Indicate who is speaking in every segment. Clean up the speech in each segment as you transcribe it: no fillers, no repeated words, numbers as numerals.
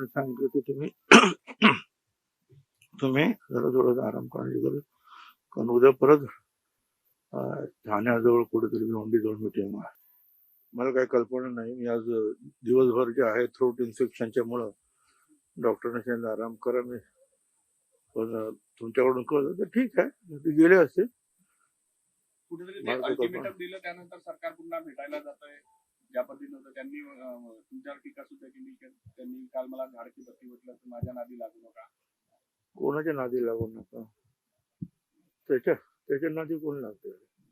Speaker 1: डॉक्टरने सांगितलं की तुम्ही तुम्ही जरा थोडासा आराम करण्याची गरज, कारण उद्या परत ठाण्याजवळ कुठेतरी भिवंडीजवळ मीटिंग आहे. मला काही कल्पना नाही. मी आज दिवसभर जे आहे थ्रोट इन्फेक्शनच्या मुळे डॉक्टरने सांगितलं आराम करा. मी पण तुमच्याकडून कळलं तर ठीक आहे, ते गेले असते.
Speaker 2: कुठेतरी अल्टिमेटम दिलं त्यानंतर सरकार पुन्हा भेटायला जातंय. ज्या पद्धतीनं होतं त्यांनी तुमच्यावर टीका सुद्धा केली. त्यांनी काल मला झाडकी बत्ती म्हटलं तर माझ्या नादी लागू नका.
Speaker 1: कोणाच्या नादी लागू नका. त्याच्या नादी कोण लागते?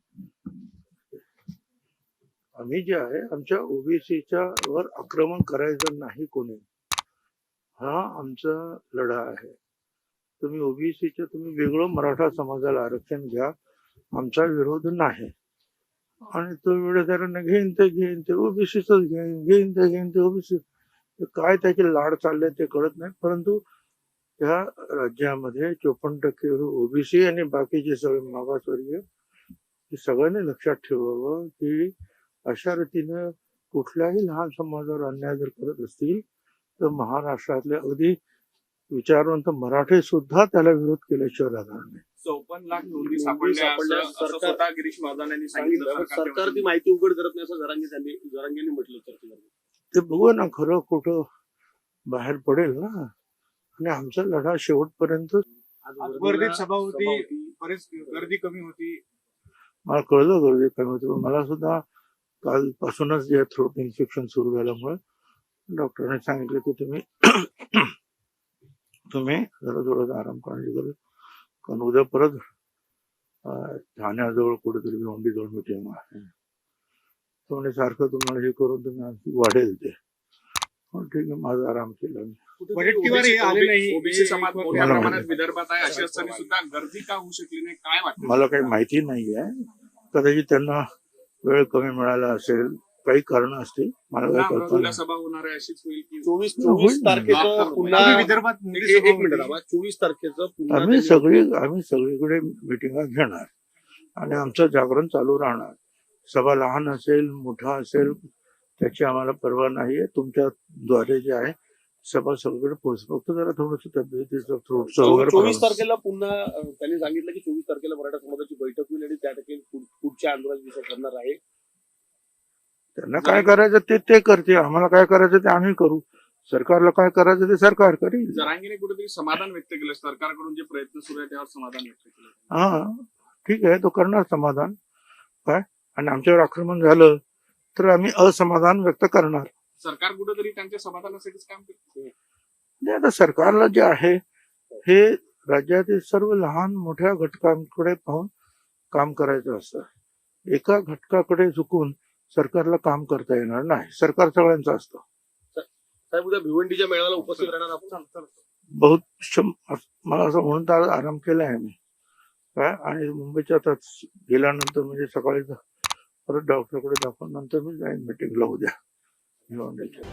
Speaker 1: आम्ही जे आहे आमच्या ओबीसीच्या वर आक्रमण करायचं नाही कोणी. हा आमचा लढा आहे. तुम्ही ओबीसीच्या तुम्ही वेगळं मराठा समाजाला आरक्षण घ्या, आमचा विरोध नाही. आणि तो वेळेदारांना घेईन ते ओबीसीच घेईन ते ओबीसी. काय त्याचे लाड चालले ते कळत नाही. परंतु या राज्यामध्ये 54% ओबीसी आणि बाकीचे सगळे मागासवर्गीय सगळ्यांनी लक्षात ठेवावं की अशा रीतीनं कुठल्याही लहान समाजावर अन्याय जर करत असतील तर महाराष्ट्रातले अगदी विचारवंत मराठे सुद्धा त्याला विरोध केल्याशिवाय राहणार नाही.
Speaker 2: 54 लाख नोंदी सापडल्या असं स्वतः गिरीश महाजन यांनी सांगितलं.
Speaker 3: सरकार ती माहिती उघड करत नाही असं जरांगेंनी म्हटलं चर्चेमध्ये.
Speaker 1: ते बघू ना, खरं खोटं बाहेर पडेल ना. आणि आमचा लढा शेवटपर्यंत.
Speaker 4: वर्धेत सभा होती, बरेच गर्दी कमी होती.
Speaker 1: मला कळलं गर्दी कमी होती, पण मला सुद्धा कालपासूनच जे थ्रोट इन्फेक्शन सुरू झाल्यामुळे डॉक्टरने सांगितलं की तुम्ही जरा थोडासा आराम करण्याची गरज, कारण उद्या परत ठाण्याजवळ कुठेतरी भिवंडीजवळ मीटिंग आहे. तो म्हणजे सारखं तुम्हाला हे करून तुम्ही आणखी वाढेल ते. ठीक आहे, माझा आराम केला मी.
Speaker 2: ओबीसी समाज मोठ्या प्रमाणात विदर्भात आहे, अशी असताना सुद्धा गर्दी का होऊ शकली नाही, काय वाटतं?
Speaker 1: मला काही माहिती नाही आहे. कदाचित त्यांना वेळ कमी मिळाला असेल, काही कारण असतील. मला काही कल्पना
Speaker 2: सभा होणार आहे अशीच होईल की
Speaker 3: 24 तारखेचं पुन्हा
Speaker 4: विदर्भात
Speaker 3: 24 तारखेचं
Speaker 1: आम्ही सगळीकडे मिटिंगा घेणार आणि आमचं जागरण चालू राहणार. सभा लहान असेल मोठा असेल त्याची आम्हाला पर्वा नाहीये. तुमच्या द्वारे जे आहे सभा सगळीकडे पोहोच. फक्त जरा थोडस तब्येतीचं थ्रोटचं वगैरे.
Speaker 3: 24 तारखेला पुन्हा त्यांनी सांगितलं की 24 तारखेला मराठा समाजाची बैठक होईल आणि त्या ठिकाणी पुढच्या आंदोलनाचा विषय ठरणार आहे.
Speaker 1: त्यांना काय करायचं ते करते, आम्हाला काय करायचं ते आम्ही करू. सरकारला काय करायचं ते सरकार करेल.
Speaker 2: जरांगीने कुठेतरी समाधान व्यक्त केलं, सरकारकडून जे प्रयत्न सुरू आहे त्यावर समाधान व्यक्त केलं.
Speaker 1: हा ठीक आहे, तो करणार समाधान. काय आणि आमच्यावर आक्रमण झालं तर आम्ही असमाधान व्यक्त करणार.
Speaker 2: सरकार कुठेतरी त्यांच्या समाधानासाठीच काम करते.
Speaker 1: आता सरकारला जे आहे हे राज्यातील सर्व लहान मोठ्या घटकांकडे पाहून काम करायचं असतं. एका घटकाकडे झुकून सरकारला काम करता येणार नाही. सरकार सगळ्यांचं असतं.
Speaker 3: साहेब उद्या भिवंडीच्या मेळाव्याला उपस्थित राहणार आपण.
Speaker 1: मला असं म्हणून तर आराम केला आहे मी. काय आणि मुंबईच्या आता गेल्यानंतर म्हणजे सकाळी परत डॉक्टरकडे दाखवून नंतर मी जाईन मीटिंगला उद्या भिवंडीच्या.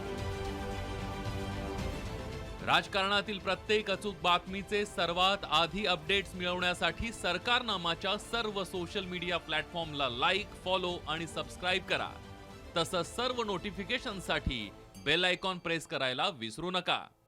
Speaker 5: राजकारणातील प्रत्येक अचूक बातमीचे सर्वात आधी अपडेट्स मिळवण्यासाठी सरकारनामाच्या सर्व सोशल मीडिया प्लॅटफॉर्मला लाईक, फॉलो आणि सबस्क्राईब करा. तसंच सर्व नोटिफिकेशनसाठी बेल आयकॉन प्रेस करायला विसरू नका.